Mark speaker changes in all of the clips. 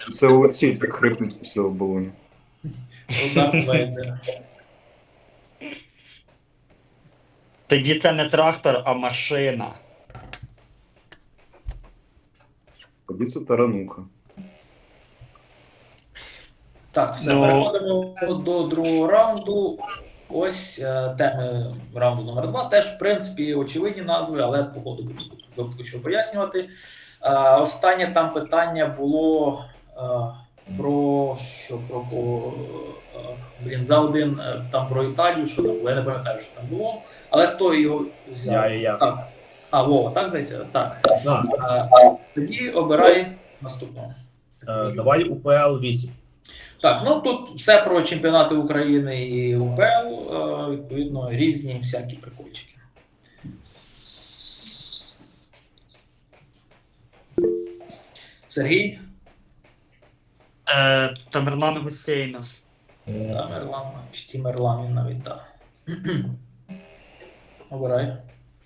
Speaker 1: Це Олексій так хрипнуть після оболоні.
Speaker 2: Дарт Вейдер.
Speaker 3: Тоді це не трактор, а машина.
Speaker 1: Тоді це тарануха.
Speaker 2: Так, все,
Speaker 3: Ну.
Speaker 2: переходимо до другого раунду. Ось теми раунду номер 2. Теж, в принципі, очевидні назви, але по ходу буду що пояснювати. Останнє там питання було про що про за один там про Італію, що там було. Я не пам'ятаю, що там було. Але хто його взяв?
Speaker 4: Я.
Speaker 2: Так. Вова, так здається? Так.
Speaker 4: Да.
Speaker 2: Тоді обирай наступного.
Speaker 4: Давай УПЛ 8.
Speaker 2: Так, ну тут все про чемпіонати України і УПЛ, відповідно, різні всякі прикольчики. Сергій?
Speaker 3: Тамерлан Гусейнов.
Speaker 2: Тамерлан, чи Тімерлан він навіть, так. Обирай.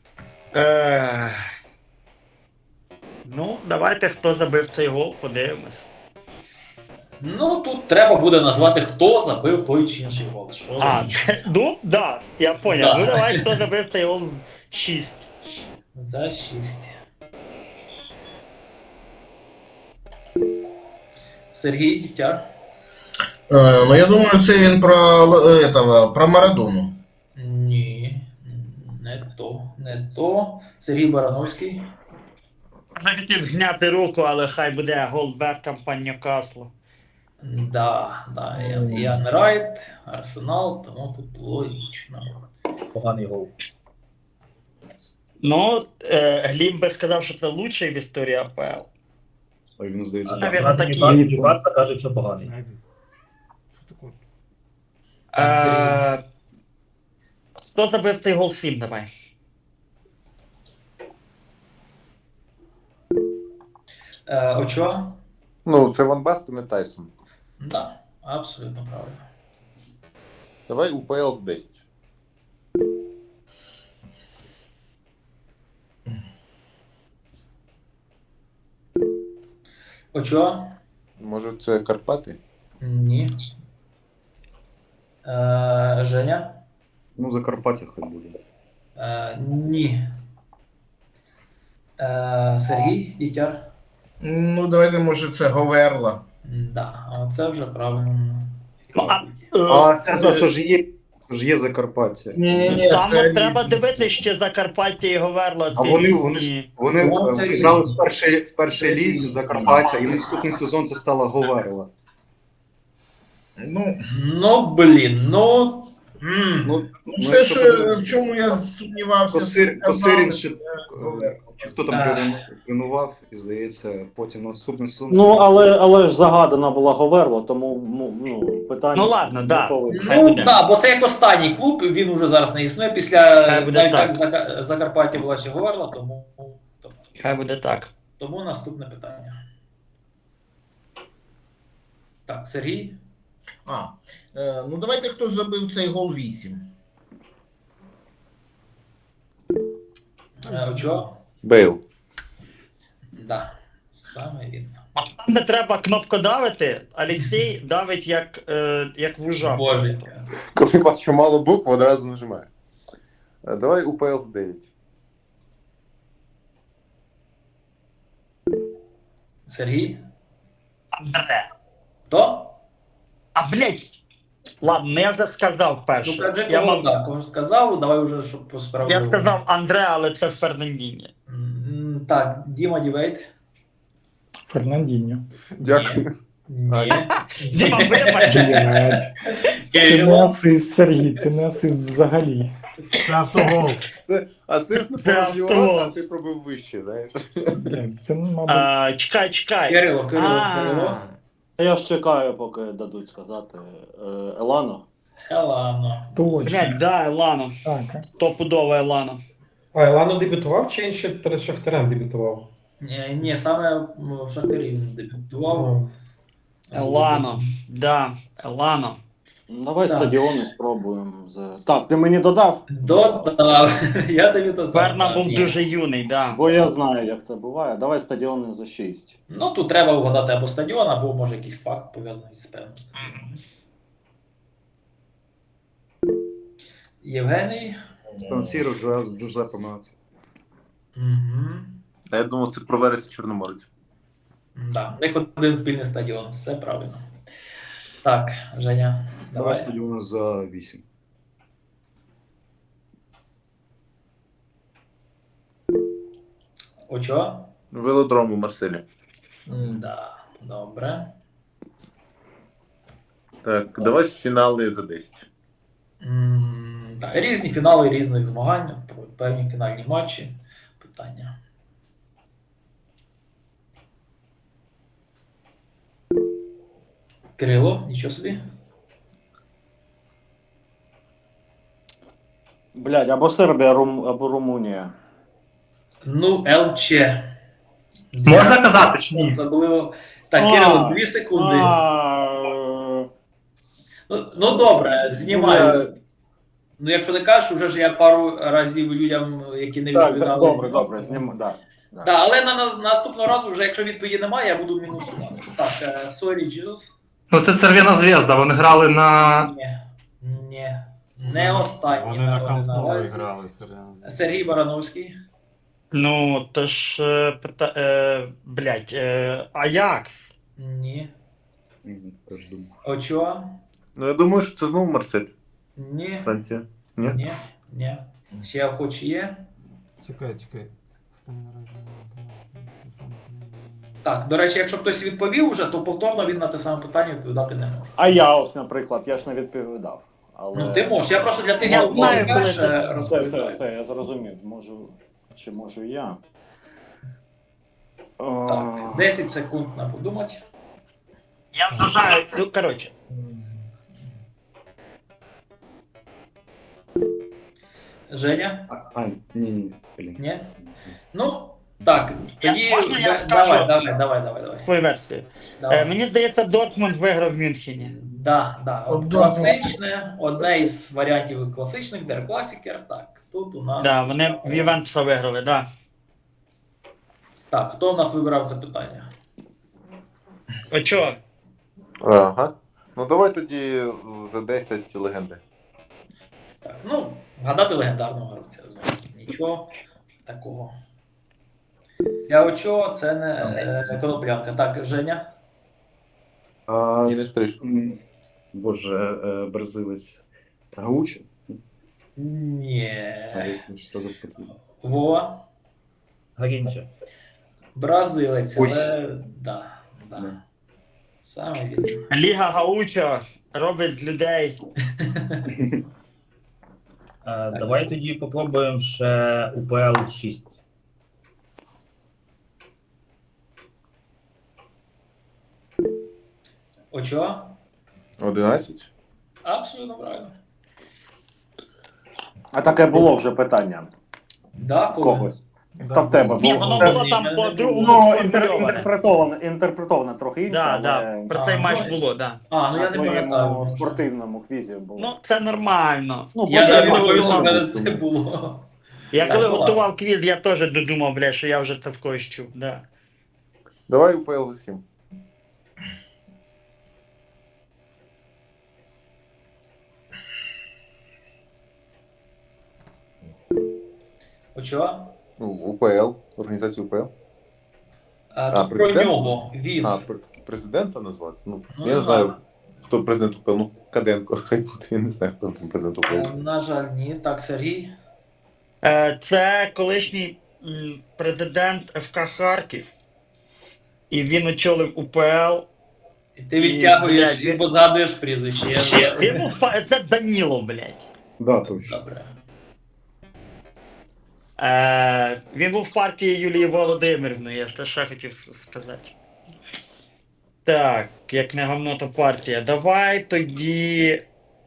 Speaker 3: Ну, давайте, хто забив цей гол, подивимось.
Speaker 2: Ну, тут треба буде назвати, хто забив той чи інший гол. Що
Speaker 3: Ну, да, я поняв.
Speaker 2: Да.
Speaker 3: Ну, давай, хто забив цей гол 6.
Speaker 2: За 6. Сергій Дігтяр?
Speaker 5: Ну, я думаю, це він про Марадону.
Speaker 2: Ні, не то. Сергій Барановський?
Speaker 3: Я хотів зняти руку, але хай буде гол Беккампа Ньюкаслу.
Speaker 2: Да, Ян Райт, Арсенал, тому тут логічно.
Speaker 4: Поганий гол.
Speaker 3: Ну, Глім би сказав, що це лучший в історії АПЛ.
Speaker 1: А він, здається,
Speaker 3: Навірно, такі.
Speaker 4: Барса каже, що поганий.
Speaker 3: Хто забив цей гол 7, давай.
Speaker 2: Очо?
Speaker 6: Ну, це Ван Бастен і Тайсон.
Speaker 2: Да, абсолютно правильно.
Speaker 6: Давай УПЛ з 10.
Speaker 2: Очо?
Speaker 6: Може, це Карпати?
Speaker 2: Ні. Женя?
Speaker 1: Ну, Закарпаття хай буде.
Speaker 2: Ні. Сергій Дігтяр?
Speaker 5: Ну, давайте, може, це Говерла.
Speaker 2: Да, а це вже правильно.
Speaker 1: А це ж є Закарпаття.
Speaker 5: Ні,
Speaker 3: Там
Speaker 5: це
Speaker 3: от треба
Speaker 5: різні.
Speaker 3: дивитися ще Закарпаття і Говерла.
Speaker 1: А вони
Speaker 2: Ну, це
Speaker 1: грали
Speaker 2: різні.
Speaker 1: в першій лізі Закарпаття, і наступний сезон це стала Говерла.
Speaker 5: Ну,
Speaker 2: Блін,
Speaker 1: Ну,
Speaker 5: все,
Speaker 1: якщо
Speaker 5: що,
Speaker 1: подивитися,
Speaker 5: в чому я сумнівався,
Speaker 1: Косирін ще
Speaker 5: Говерла.
Speaker 1: хто там тренував, і здається, потім наступний сезон.
Speaker 7: Ну, але ж загадана була Говерла, тому питання.
Speaker 3: Ну, ладно, да.
Speaker 7: готове.
Speaker 2: Ну так, бо це як останній клуб, він уже зараз не існує. Після
Speaker 3: Хай буде
Speaker 2: навіть як Закарпаття була ще Говерла,
Speaker 3: Хай буде так.
Speaker 2: тому наступне питання. Так, Сергій?
Speaker 5: Ну, давайте, хто забив цей гол 8.
Speaker 2: Очо?
Speaker 6: Бейл.
Speaker 2: Да, саме він.
Speaker 3: А там, де треба кнопкодавити, Олексій давить як вужа.
Speaker 2: Боженька.
Speaker 6: Коли бачу мало букв, одразу нажимаю. Давай УПЛ з 9.
Speaker 2: Сергій?
Speaker 3: Андре.
Speaker 2: Хто?
Speaker 3: Блять. Ладно, я вже сказав перше.
Speaker 2: Ну кажи,
Speaker 3: Я,
Speaker 2: кого, да, кого сказав, давай вже, щоб по справді.
Speaker 3: я сказав Андре, але це Фернандіні.
Speaker 2: Так, Діма Дівейт.
Speaker 8: Фернандіньо.
Speaker 6: Дякую.
Speaker 2: Ні.
Speaker 3: Діма, вибач.
Speaker 8: Це не асист, Сергій, це не асист взагалі.
Speaker 4: Це автогол.
Speaker 6: Це асист на
Speaker 3: Це
Speaker 6: порожній
Speaker 3: автогол.
Speaker 6: ворота, а ти пробив вище, знаєш.
Speaker 8: Це, мабуть,
Speaker 3: Чекай.
Speaker 2: Кирило.
Speaker 7: Я ж чекаю, поки дадуть сказати. Елано.
Speaker 2: Елано.
Speaker 8: точно.
Speaker 3: Блять, да, Елано.
Speaker 8: Так,
Speaker 3: Стопудово Елано.
Speaker 9: А Елано дебютував чи він ще перед Шахтарем дебютував?
Speaker 2: Ні, саме в Шахтарі він дебютував.
Speaker 3: Елано. Да, Елано.
Speaker 7: Давай
Speaker 2: Так.
Speaker 7: стадіони спробуємо. Так, ти мені додав?
Speaker 2: Додав. Я тобі додав.
Speaker 3: Берна
Speaker 2: так,
Speaker 3: був
Speaker 2: є.
Speaker 3: дуже юний, да.
Speaker 7: Бо я знаю, як це буває. Давай стадіони за 6.
Speaker 2: Ну, тут треба вгадати або стадіон, або може якийсь факт пов'язаний з певним стадіоном. Євгеній.
Speaker 1: Сан-Сіро, Джузеппе Меаццо.
Speaker 2: Угу.
Speaker 6: А я думав, це про вересень Чорноморець.
Speaker 2: Да. У них один спільний стадіон, все правильно. Так, Женя,
Speaker 1: Давай
Speaker 2: давай.
Speaker 1: стадіон за 8.
Speaker 2: Очо?
Speaker 6: Велодром у Марселі.
Speaker 2: Да, добре.
Speaker 6: Так, давай фінали за 10.
Speaker 2: Так, різні фінали різних змагань, певні фінальні матчі. Питання. Кирило, нічого собі.
Speaker 7: Блядь, або Сербія, або Румунія.
Speaker 2: Ну, ЛЧ.
Speaker 4: Можна казати чи ні?
Speaker 2: Особливо. Так,
Speaker 7: А.
Speaker 2: Кирило, 2 секунди. Ну добре, знімаю. Ну, якщо не кажеш, вже ж я пару разів людям, які не
Speaker 7: Так,
Speaker 2: відповідали.
Speaker 7: добре, зніму, да.
Speaker 2: Так, але наступного разу, вже якщо відповіді немає, я буду мінусувати. Так, sorry, Jesus.
Speaker 10: Ну, це Церв'яна Зв'язда, вони грали на.
Speaker 2: Ні. Не останні.
Speaker 11: Вони на
Speaker 2: наразі.
Speaker 11: Кампнові грали.
Speaker 2: Сергій Барановський.
Speaker 3: Ну, то ж, блядь, Аякс.
Speaker 2: Ні.
Speaker 1: Теж думаю.
Speaker 2: Очо.
Speaker 6: Ну, я думаю, що це знову Марсель,
Speaker 2: Ні.
Speaker 6: Франція. Ні?
Speaker 2: Ні. Ще охочі є.
Speaker 11: Чекай.
Speaker 2: Так, до речі, якщо хтось відповів уже, то повторно він на те саме питання відповідати не може.
Speaker 7: А я ось, наприклад, я ж не відповідав. Але...
Speaker 2: Ну, ти можеш. Я просто для тих,
Speaker 3: Я
Speaker 2: хто
Speaker 3: знаю, коли
Speaker 2: перше
Speaker 3: це-
Speaker 2: розповідаю.
Speaker 7: Все, я зрозумів. Чи можу і я?
Speaker 2: Так, 10 секунд на подумати.
Speaker 3: Я вважаю, ну, коротше.
Speaker 2: Женя?
Speaker 1: Ні, блін.
Speaker 2: Ні? Ну, так, тоді
Speaker 3: Можна я
Speaker 2: давай,
Speaker 3: скажу?
Speaker 2: давай.
Speaker 3: Свою версію.
Speaker 2: Давай.
Speaker 3: Мені здається, Дортмунд виграв в Мюнхені.
Speaker 2: Да. От
Speaker 5: Обдумав.
Speaker 2: класичне, одне із варіантів класичних, Der Klassiker. Так, тут у нас.
Speaker 3: Да, вони в Ювентуса виграли, да.
Speaker 2: Так, хто у нас вибирав це питання?
Speaker 3: Очо?
Speaker 6: Ага. Ну давай тоді за 10 легенди.
Speaker 2: Так, ну, вгадати легендарного гравця. Нічого такого. Для Очо це не коноплянка. Так, Женя.
Speaker 6: І не стриж.
Speaker 1: Боже, бразилець Гаучо?
Speaker 2: Ні.
Speaker 1: Що за таке?
Speaker 2: Вова.
Speaker 4: Гарінче.
Speaker 2: Бразилець,
Speaker 1: Ось.
Speaker 2: але да. Саме вірно.
Speaker 3: Ліга Гаучо робить з людей.
Speaker 4: Давай тоді попробуємо ще УПЛ 6.
Speaker 2: Очо?
Speaker 6: 11?
Speaker 2: Абсолютно правильно.
Speaker 7: А таке було вже питання.
Speaker 2: Да,
Speaker 7: В
Speaker 2: коли?
Speaker 7: когось. Та в тебе
Speaker 3: Ні,
Speaker 7: було.
Speaker 3: воно
Speaker 7: Це-
Speaker 3: було там по
Speaker 7: Ну,
Speaker 3: другому сформульоване.
Speaker 7: інтерпретовано трохи інше,
Speaker 3: Да, да.
Speaker 7: але
Speaker 3: Про цей
Speaker 2: А,
Speaker 3: матч
Speaker 2: ну,
Speaker 3: було, да.
Speaker 2: А, ну
Speaker 7: на
Speaker 2: я не
Speaker 7: твоєму
Speaker 2: пам'ятаю.
Speaker 7: спортивному квізі було.
Speaker 3: Ну, це нормально.
Speaker 7: Ну,
Speaker 2: Я
Speaker 7: буде
Speaker 2: навіть не
Speaker 7: нормально.
Speaker 2: боюсь, що в мене це було.
Speaker 3: Я
Speaker 2: Так,
Speaker 3: коли
Speaker 2: ну,
Speaker 3: готував квіз, я теж додумав, бля, що я вже це в когось чув, да.
Speaker 6: Давай УПЛ за 7.
Speaker 2: Очо?
Speaker 6: Ну, УПЛ, організацію УПЛ.
Speaker 2: Тут про
Speaker 6: президент?
Speaker 2: нього. Він.
Speaker 6: Президента назвати? Ну,
Speaker 2: Ну,
Speaker 6: я
Speaker 2: не
Speaker 6: не знаю, хто президент УПЛ. Ну, Каденко, хай буде, я не знаю, хто там президент УПЛ.
Speaker 2: На жаль, ні. Так, Сергій.
Speaker 3: Це колишній президент ФК Харків. І він очолив УПЛ.
Speaker 2: І ти відтягуєш
Speaker 3: блядь,
Speaker 2: і позгадуєш прізвище.
Speaker 3: Він був це Данілов, блядь.
Speaker 1: Да, точно.
Speaker 2: Добре.
Speaker 3: Він був в партії Юлії Володимирівни, я це ще хотів сказати. Так, як не гавно, то партія. Давай тоді.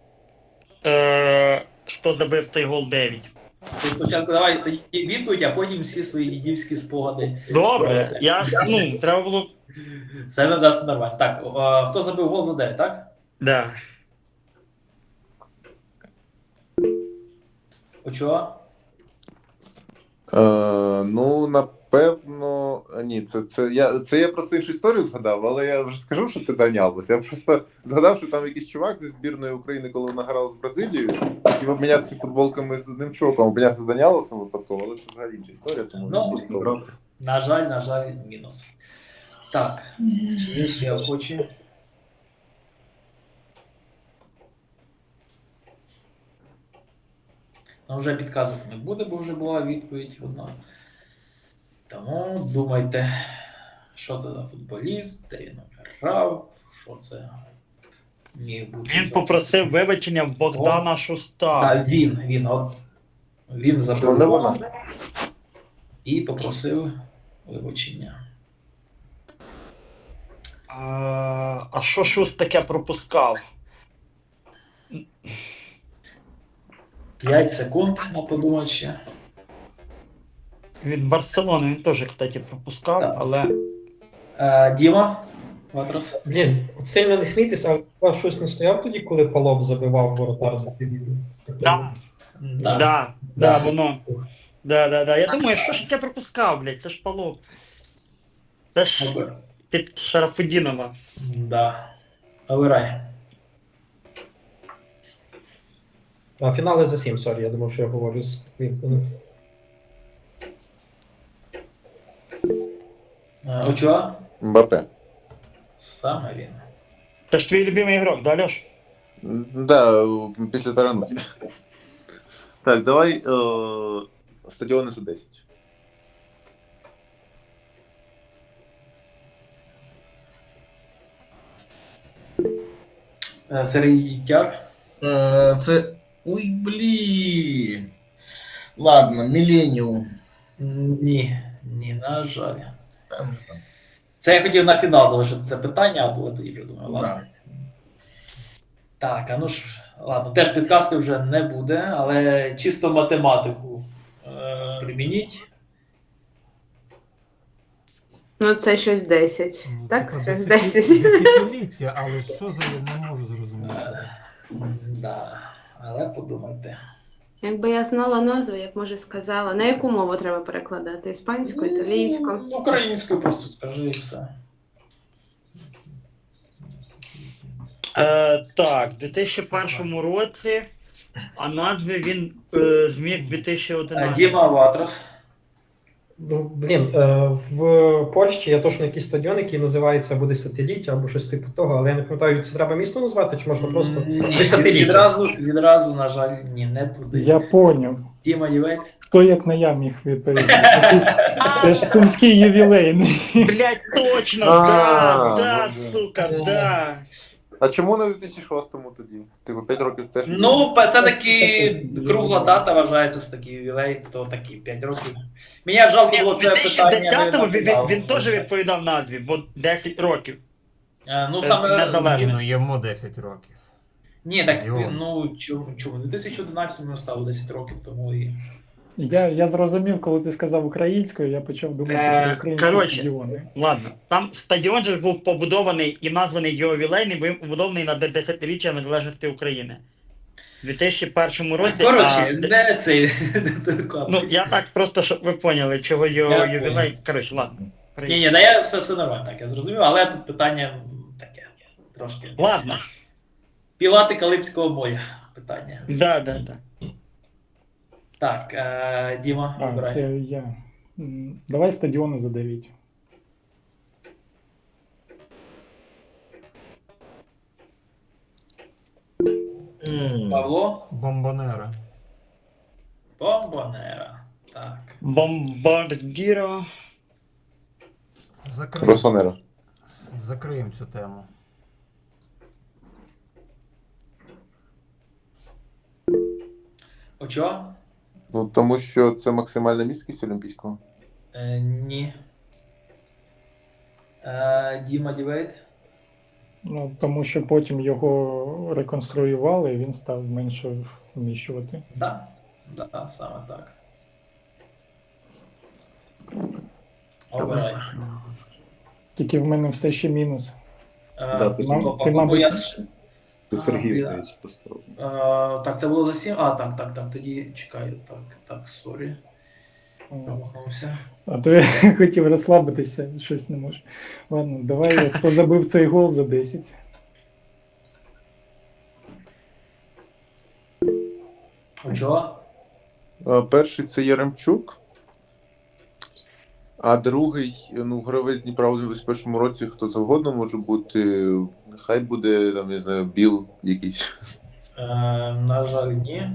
Speaker 3: Хто забив той гол 9?
Speaker 2: Ти спочатку давай тоді відповідь, а потім всі свої дідівські спогади.
Speaker 3: Добре, я треба було.
Speaker 2: Все не дасть нормально. Так, хто забив гол за 9, так?
Speaker 3: Да.
Speaker 2: Очо?
Speaker 6: Ну, напевно, ні, це я просто іншу історію згадав, але я вже скажу, що це Дані Алвес. Я просто згадав, що там якийсь чувак зі збірної України, коли вона грала з Бразилією, хотів обмінятися футболками з одним чуваком, обмінятися з Дані Алвесом випадково, але це взагалі інша історія, тому
Speaker 2: Ну,
Speaker 6: він був
Speaker 2: на жаль, мінус. Так, чи є ще охочі? Ну, вже підказок не буде, бо вже була відповідь одна. Тому думайте, що це за футболіст, де він грав, що це міг бути.
Speaker 3: Він
Speaker 2: за-
Speaker 3: попросив вибачення в Богдана Шуста.
Speaker 2: Так, він забив
Speaker 6: Вона.
Speaker 2: гол і попросив вибачення.
Speaker 3: А що Шуст таке пропускав?
Speaker 2: 5 секунд на подумати ще.
Speaker 3: Від Барселони він теж, кстати, пропускав,
Speaker 2: Так.
Speaker 3: але.
Speaker 2: Діма, Ватрас.
Speaker 9: Блін, от сильно не смійтесь, але хіба щось не стояв тоді, коли Палоп забивав воротар за Севілью?
Speaker 3: Да, воно. Да. Я думаю, що ж я пропускав, блядь, це ж Палоп. Це ж під Шарафудінова.
Speaker 2: Да. Обирай.
Speaker 9: А фінали за 7, сорі, я думав, що я говорю з Квінтоном.
Speaker 2: Очуа?
Speaker 6: Мбаппе.
Speaker 2: Саме він.
Speaker 3: Це ж твій любимий ігрок, да, Льош?
Speaker 6: Да, після таранухи. Так, давай стадіони за 10.
Speaker 2: Сергій Тяр.
Speaker 5: Це. Ой, блін. Ладно, Міленіум.
Speaker 2: Ні, на жаль. Це я хотів на фінал залишити це питання, але тоді вже думаю, ладно. Так, а ну ж, ладно, теж підказки вже не буде, але чисто математику примініть.
Speaker 11: Ну, це щось 10. Так?
Speaker 12: Типа
Speaker 11: Щось 10.
Speaker 12: Десятиліття, але що за я не можу зрозуміти.
Speaker 2: Да, але подумайте.
Speaker 11: Якби я знала назву, я б, може, сказала. На яку мову треба перекладати? Іспанську, італійську?
Speaker 2: Українською просто скажи і все.
Speaker 3: Так, в 2001 році, а назви він зміг в 2011.
Speaker 2: Діма Ватрас.
Speaker 9: Ну, блін, в Польщі є точно якийсь стадіон, який називається або Десятиліття, або щось типу того, але я не пам'ятаю, це треба місто назвати, чи можна просто
Speaker 2: Ні,
Speaker 9: Десятиліття?
Speaker 2: відразу, на жаль, ні, не туди.
Speaker 8: Я поняв.
Speaker 2: Діма Євейт.
Speaker 8: Хто як не я міг відповісти? Це ж сумський ювілейний.
Speaker 3: Блять, точно, да, сука, да.
Speaker 6: А чому не в 2006-му тоді? Типу 5 років теж.
Speaker 2: Ну, все-таки кругла дата вважається з такий ювілей, то такі 5 років. Мені жалко було
Speaker 3: В
Speaker 2: це питання.
Speaker 3: 2010-му він теж відповідав назві, бо 10 років.
Speaker 2: Ну, саме...
Speaker 3: Незалежно.
Speaker 12: Ну, йому 10 років.
Speaker 2: Ні, так,
Speaker 12: Йо.
Speaker 2: ну, чому? В 2011-му стало 10 років, тому і...
Speaker 8: Я зрозумів, коли ти сказав українською, я почав думати про українські
Speaker 3: коротше.
Speaker 8: стадіони.
Speaker 3: Ладно, там стадіон же був побудований і названий його ювілейний, був побудований на 10-річчя незалежності України. У 2001 році.
Speaker 2: Коротше, не цей...
Speaker 3: Ну, я так просто, щоб ви поняли, чого його
Speaker 2: Я
Speaker 3: ювілей.
Speaker 2: понял.
Speaker 3: Коротше, ладно.
Speaker 2: Ні, да я все нормально, так, я зрозумів, але тут питання таке, трошки.
Speaker 3: Ладно.
Speaker 2: Пілати Калипського моря питання.
Speaker 3: Да.
Speaker 2: Так, Діма,
Speaker 8: А,
Speaker 2: обирай.
Speaker 8: це я. Давай стадіони за 9.
Speaker 2: Павло?
Speaker 12: Бомбонера.
Speaker 2: Бомбонера. Так.
Speaker 3: Бомбардіро.
Speaker 6: Росонера.
Speaker 12: Закриємо цю тему.
Speaker 2: Очо?
Speaker 6: Ну, тому що це максимальна міськість Олімпійського.
Speaker 2: Ні. Діма Дівейт?
Speaker 8: Ну, тому що потім його реконструювали, і він став менше вміщувати.
Speaker 2: Да, саме так. Обирай.
Speaker 8: Тільки в мене все ще мінус.
Speaker 1: Да, ти
Speaker 8: мабуть-
Speaker 2: Бо я
Speaker 1: Тут Сергій,
Speaker 2: я-
Speaker 1: здається, поставив.
Speaker 2: Так, це було за 7. Так, тоді чекаю. Так, сорі. Промахнувся.
Speaker 8: А то я хотів розслабитися, щось не можу. Ладно, давай, хто забив цей гол за 10.
Speaker 2: Очо?
Speaker 6: Перший це Яремчук, а другий, ну, гравець Дніпра у 21-му році, хто завгодно може бути. Нехай буде, там, не знаю, Біл якийсь.
Speaker 2: На жаль, ні.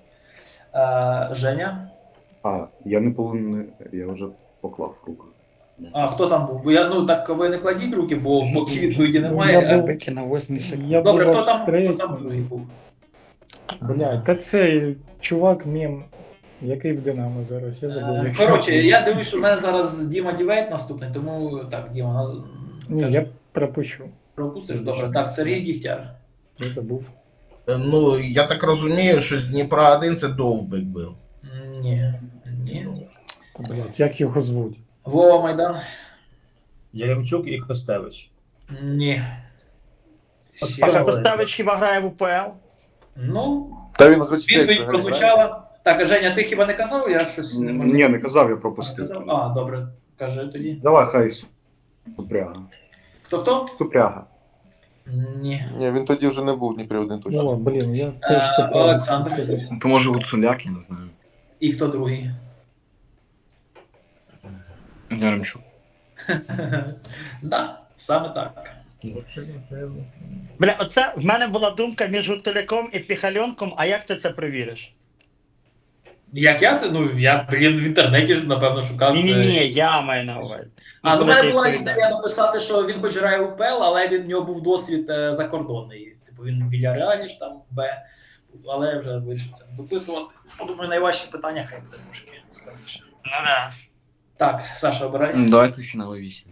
Speaker 2: Женя?
Speaker 1: Я не повинен, я вже поклав руку.
Speaker 2: А хто там був? Бо так ви не кладіть руки, бо поки відповіді
Speaker 8: Я
Speaker 2: немає.
Speaker 8: був-
Speaker 3: Бики на 8 секунд.
Speaker 8: Я
Speaker 2: Добре,
Speaker 8: був
Speaker 2: хто
Speaker 8: аж
Speaker 2: там
Speaker 8: третій.
Speaker 2: другий був?
Speaker 8: Блядь, та цей чувак мем, який в Динамо зараз, я забув. як
Speaker 2: Коротше,
Speaker 8: його
Speaker 2: я дивлюсь, що в мене зараз Діма Дівейт наступний, тому так, Діма,
Speaker 8: Ні, я пропущу.
Speaker 2: пропустиш? Добре. Так, Сергій Дігтяр.
Speaker 8: Я забув.
Speaker 5: Ну, я так розумію, що з Дніпра 1 це Довбик був.
Speaker 2: Ні.
Speaker 8: Блядь, як його звуть?
Speaker 2: Вова Майдан?
Speaker 4: Яремчук і Костевич.
Speaker 2: Ні.
Speaker 3: А Костевич хіба грає в УПЛ?
Speaker 2: Ну,
Speaker 6: Та він хоч
Speaker 2: відповідь прозвучала. Так, а Женя, ти хіба не казав? Я щось не можу.
Speaker 1: Ні, не казав, я
Speaker 2: Не
Speaker 1: пропустив.
Speaker 2: казав? Добре. Кажи тоді.
Speaker 1: Давай, хай Супряга.
Speaker 2: Хто?
Speaker 1: Супряга.
Speaker 2: Ні.
Speaker 6: Ні, він тоді вже не був в Дніпрі 1 точно.
Speaker 8: Ну, блін, я теж це правильно
Speaker 2: Олександр.
Speaker 8: сказав.
Speaker 10: То може Гуцуляк, я не знаю.
Speaker 2: І хто другий?
Speaker 10: Яремчук.
Speaker 2: Да, саме так.
Speaker 3: Бля, оце в мене була думка між Гутуляком і Піхальонком, а як ти це перевіриш?
Speaker 2: Як я це? Я, в інтернеті ж, напевно, шукав це.
Speaker 3: Ні, я маю на увазі.
Speaker 2: В
Speaker 3: Коли
Speaker 2: мене
Speaker 3: ти
Speaker 2: була
Speaker 3: відповідаєш.
Speaker 2: ідея написати, що він хоч грає в УПЛ, але в нього був досвід закордонний. Типу він в Вільяреалі ж там Б, але я вже вирішив це не дописувати. Думаю, найважчі питання хай буде трошки складніше.
Speaker 3: Ну да.
Speaker 2: Так, Саша, обирай.
Speaker 10: Давайте фінали 8.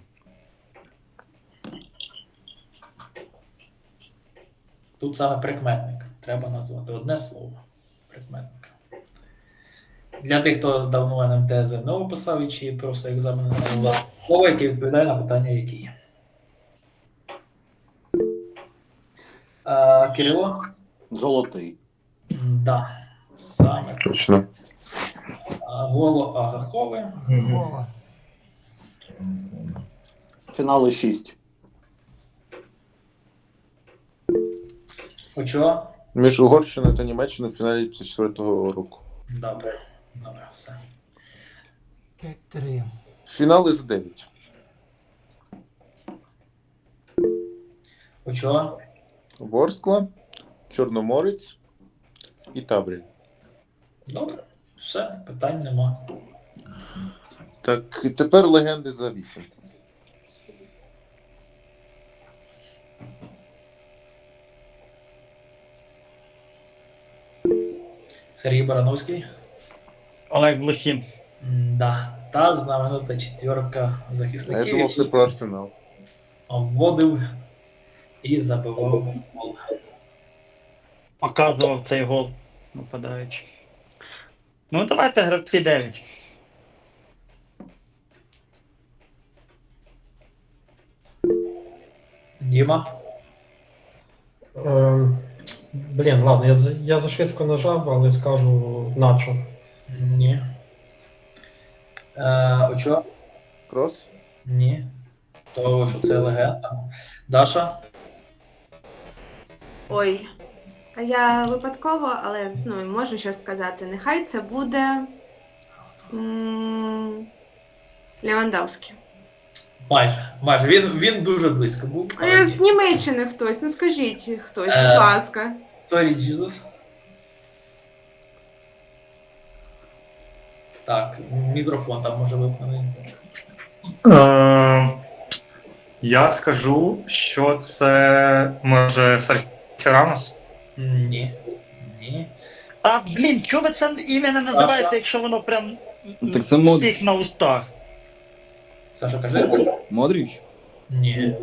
Speaker 2: Тут саме прикметник. Треба назвати одне слово. Прикметник. Для тих, хто давно НМТ ЗНО писав і чи просто екзамени знав, слово, яке відповідає на питання, які. Кирило?
Speaker 7: Золотий.
Speaker 2: Да, саме.
Speaker 6: Точно.
Speaker 2: Голо Агахове.
Speaker 12: Вова.
Speaker 7: Фінали 6.
Speaker 2: Очо?
Speaker 6: Між Угорщиною та Німеччиною в фіналі 54-го року.
Speaker 2: Добре. Добре, все.
Speaker 12: 5-3.
Speaker 6: Фінали за 9.
Speaker 2: Очо?
Speaker 6: Ворскла, Чорноморець і Табрі.
Speaker 2: Добре. Все, питань нема.
Speaker 6: Так, і тепер легенди за 8.
Speaker 2: Сергій Барановський.
Speaker 3: Олег Блохін.
Speaker 2: Да. Та знаменита четверка
Speaker 6: А я
Speaker 2: захисників,
Speaker 6: думав, це
Speaker 2: які
Speaker 6: про Арсенал.
Speaker 2: вводив і забивав гол.
Speaker 3: Показував цей гол нападаючи. Ну, давайте гравці 9.
Speaker 2: Діма.
Speaker 9: Блін, ладно, я зашвидко нажав, але скажу начо.
Speaker 2: Ні. Очо?
Speaker 6: Крос?
Speaker 2: Ні. То, що це легенда. Даша?
Speaker 11: Ой. А я випадково, але можу щось сказати. Нехай це буде Левандовський.
Speaker 2: Майже. Він дуже близько був. але ні.
Speaker 11: З Німеччини хтось, скажіть хтось, будь
Speaker 2: Е.
Speaker 11: ласка.
Speaker 2: Sorry, Jesus. Так, мікрофон там може вимкнений.
Speaker 10: Я скажу, що це може Серхіо Рамос.
Speaker 2: Ні.
Speaker 3: А, блін, чого ви це ім'я не називаєте, якщо воно прям
Speaker 10: Так це
Speaker 3: всіх на устах?
Speaker 2: Саша, кажи.
Speaker 10: Модріч?
Speaker 2: Ні.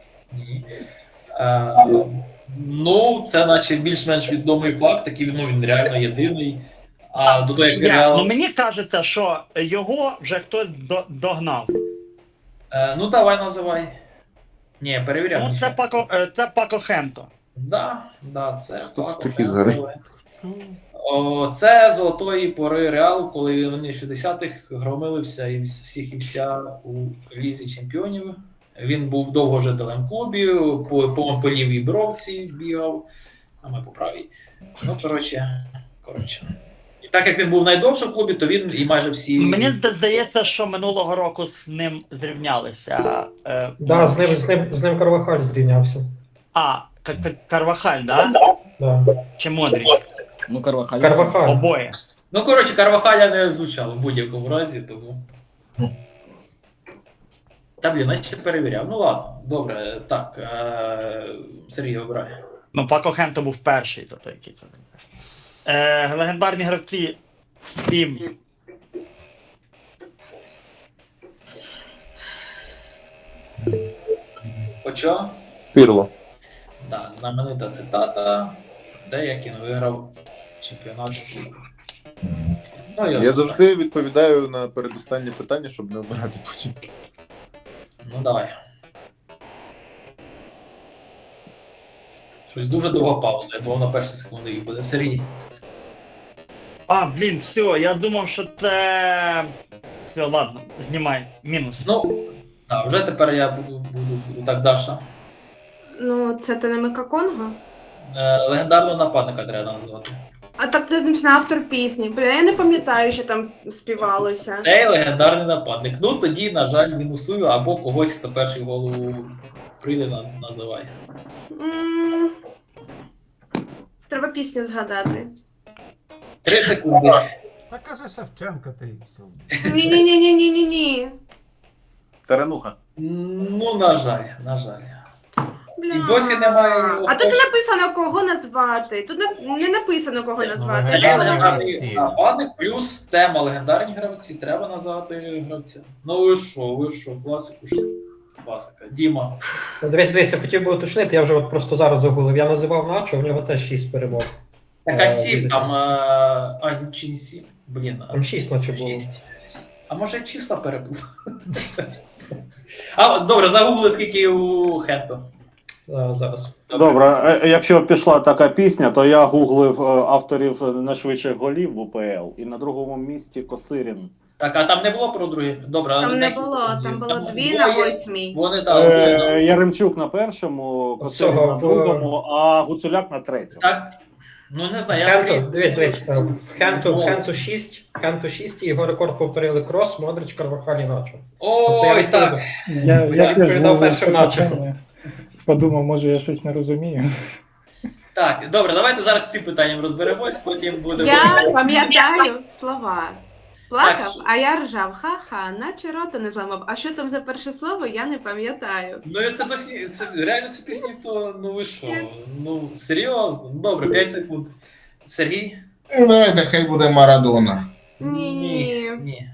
Speaker 2: Це наче більш-менш відомий факт, такий він реально єдиний. А до того, як Реал...
Speaker 3: Мені кажеться, що його вже хтось догнав.
Speaker 2: давай називай. Ні, перевіряв.
Speaker 3: Ну, це Пако Хемто.
Speaker 2: Да, це
Speaker 6: Хто це
Speaker 2: Пако
Speaker 6: такий
Speaker 2: Хенто.
Speaker 6: взагалі?
Speaker 2: Це золотої пори Реалу, коли вони в 60-х громили всіх і вся у Лізі Чемпіонів. Він був довго жителем клубів, по лівій бровці бігав, а ми по правій. Ну, коротше. І так як він був найдовше в клубі, то він і майже всі.
Speaker 3: Мені здається, що минулого року з ним зрівнялися.
Speaker 9: Да, з ним Карвахаль зрівнявся.
Speaker 3: Карвахаль, да?
Speaker 9: Да.
Speaker 3: Чи Модріч?
Speaker 10: Ну, Карвахаль.
Speaker 9: Карвахаль.
Speaker 3: Обоє.
Speaker 2: Ну, коротше, Карвахаля не звучало в будь-якому разі, тому. Та, блін, я ще перевіряв. Ну ладно, добре, так. Сергій обирає.
Speaker 3: Ну, Пако Хенто був перший, тобто який це. Легендарні гравці 7.
Speaker 2: Очо?
Speaker 6: Пірло.
Speaker 2: Да, знаменита цитата. Деякін виграв чемпіонат світу. Ну,
Speaker 6: Я завжди відповідаю на передостаннє питання, щоб не обирати потім.
Speaker 2: Ну, давай. Щось дуже довга пауза, я думав на перші секунди їх буде. Сергій.
Speaker 3: Блін, все, я думав, що це. Все, ладно, знімай. Мінус.
Speaker 2: Ну, так, вже тепер я буду так, Даша.
Speaker 11: Ну, це ти не Мика Конго?
Speaker 2: Легендарного нападника треба назвати.
Speaker 11: А так ти написано автор пісні. Бля, я не пам'ятаю, що там співалося.
Speaker 2: Цей легендарний нападник. Ну, тоді, на жаль, мінусую, або когось, хто перший в голову прийде, називає.
Speaker 11: Треба пісню згадати.
Speaker 2: 3 секунди.
Speaker 12: Та каже Шевченка, ти і все.
Speaker 11: Ні.
Speaker 6: Тарануха.
Speaker 2: Ну, на жаль.
Speaker 11: Бля.
Speaker 2: І досі немає.
Speaker 11: А тут не написано, кого назвати. Тут не написано, кого назвати.
Speaker 2: Це
Speaker 12: Легендарні
Speaker 2: легендарний
Speaker 12: гравці.
Speaker 2: нападник, плюс тема легендарні гравці. Треба назвати гравця. Ну ви що, класика. Діма.
Speaker 9: Дивись, я хотів би уточнити, я вже от просто зараз загуглив. Я називав Начо, у нього теж 6 перемог.
Speaker 2: Така 7 там, чи не 7? Блін.
Speaker 9: Там 6 наче було.
Speaker 2: 6. А може числа переплутав? Добре, загугли, скільки у Хенто.
Speaker 9: Зараз.
Speaker 7: Добре, якщо пішла така пісня, то я гуглив авторів найшвидших голів в УПЛ, і на другому місці Косирін.
Speaker 2: Так, а там не було про другі? Добре, але
Speaker 11: Там не
Speaker 2: декілька
Speaker 11: було,
Speaker 2: секунд.
Speaker 11: там було
Speaker 2: Там
Speaker 11: 2
Speaker 2: двоє,
Speaker 11: на 8.
Speaker 2: Вони там.
Speaker 7: Яремчук на першому, Косирін
Speaker 9: Цього,
Speaker 7: на другому, а Гуцуляк на третьому.
Speaker 2: Так, ну не знаю, я скрізь.
Speaker 9: Дивись, в Хенту 6 і його рекорд повторили Крос, Модрич, Карвахаль і Начо.
Speaker 2: Ой, так.
Speaker 8: Я теж
Speaker 9: відповідав
Speaker 8: був
Speaker 9: першим Начо.
Speaker 8: Подумав, може я щось не розумію.
Speaker 2: Так, добре, давайте зараз з цим питанням розберемось, потім будемо.
Speaker 11: Я пам'ятаю слова. Плакав,
Speaker 2: Так,
Speaker 11: а я ржав. Ха-ха, наче рота не зламав. А що там за перше слово, я не пам'ятаю.
Speaker 2: Ну, це досі, це реально цю пісню, то, ну ви що? Ну, серйозно? Ну, добре, 5 секунд. Сергій?
Speaker 5: Давайте, хай буде Марадона.
Speaker 11: Ні.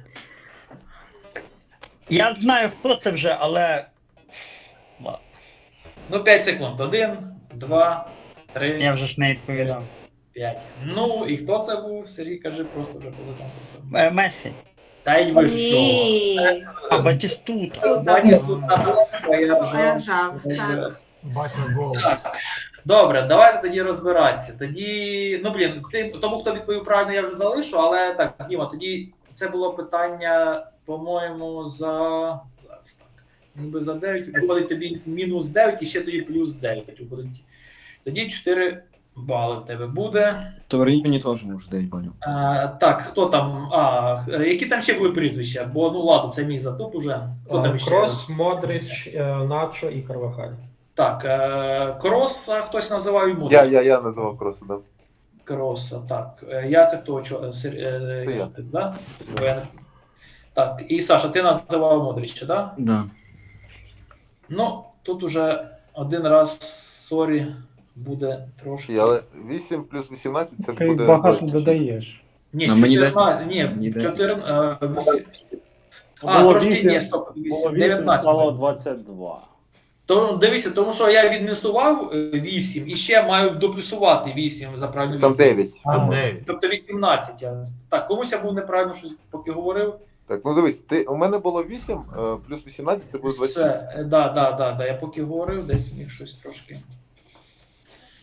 Speaker 3: Я знаю, хто це вже, але. Ладно.
Speaker 2: Ну, 5 секунд. 1, 2, 3,
Speaker 3: Я вже ж не відповідав.
Speaker 2: 5. Ну, і хто це був? Сергій, кажи просто вже поза конкурсом.
Speaker 3: Месі.
Speaker 2: Та й ви що?
Speaker 11: Ні.
Speaker 3: Батістута.
Speaker 2: Батістута, а я
Speaker 11: А я
Speaker 2: ржав.
Speaker 11: ржав, так.
Speaker 12: Батя гол.
Speaker 2: Добре, давайте тоді розбиратися. Тоді, ну блін, тому хто відповів правильно, я вже залишу, але так, Діма, тоді це було питання, по-моєму, зараз так. Ніби за 9, виходить тобі мінус 9 і ще тоді плюс 9 виходить. Тоді 4 бали в тебе буде.
Speaker 10: То верніть мені теж може 9 балів.
Speaker 2: Так, хто там? Які там ще були прізвища? Бо ну ладно, це мій затуп уже. Хто там ще?
Speaker 9: Крос, Модрич, Начо і Карвахаль.
Speaker 2: Так, Кроса хтось називав і Модрич.
Speaker 6: Я називав Кросу, да.
Speaker 2: Кроса, так. Я це хто?
Speaker 6: я.
Speaker 2: Да? Так, і Саша, ти називав Модрича, так?
Speaker 10: Да.
Speaker 2: Ну, тут уже один раз, сорі, буде трошки.
Speaker 6: Але 8 плюс 18 це
Speaker 8: Ти
Speaker 6: буде.
Speaker 8: багато
Speaker 6: 26.
Speaker 8: додаєш.
Speaker 2: Ні,
Speaker 10: На мені
Speaker 2: 14, ні,
Speaker 10: Мені
Speaker 2: 14,
Speaker 7: Було
Speaker 2: трошки
Speaker 7: 8,
Speaker 2: ні, стоп,
Speaker 7: Було 8,
Speaker 2: 19.
Speaker 7: стало 22.
Speaker 2: То дивіться, тому що я відмінусував 8 і ще маю доплюсувати 8 за правильну
Speaker 6: Там
Speaker 2: відповідь.
Speaker 6: 9.
Speaker 12: Там 9.
Speaker 2: Тобто 18. Так, комусь я був неправильно щось поки говорив.
Speaker 6: Так, ну дивись, у мене було 8, плюс 18 це буде 26.
Speaker 2: Все, да, я поки говорив, десь міг щось трошки.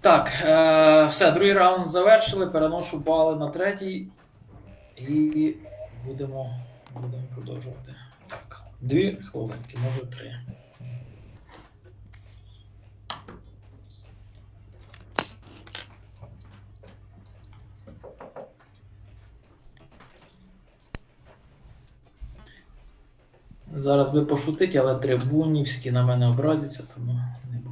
Speaker 2: Так, все, другий раунд завершили. Переношу бали на третій. І будемо продовжувати. Так, 2 хвилинки, може 3. Зараз би пошутити, але трибунівські на мене образяться, тому не буду.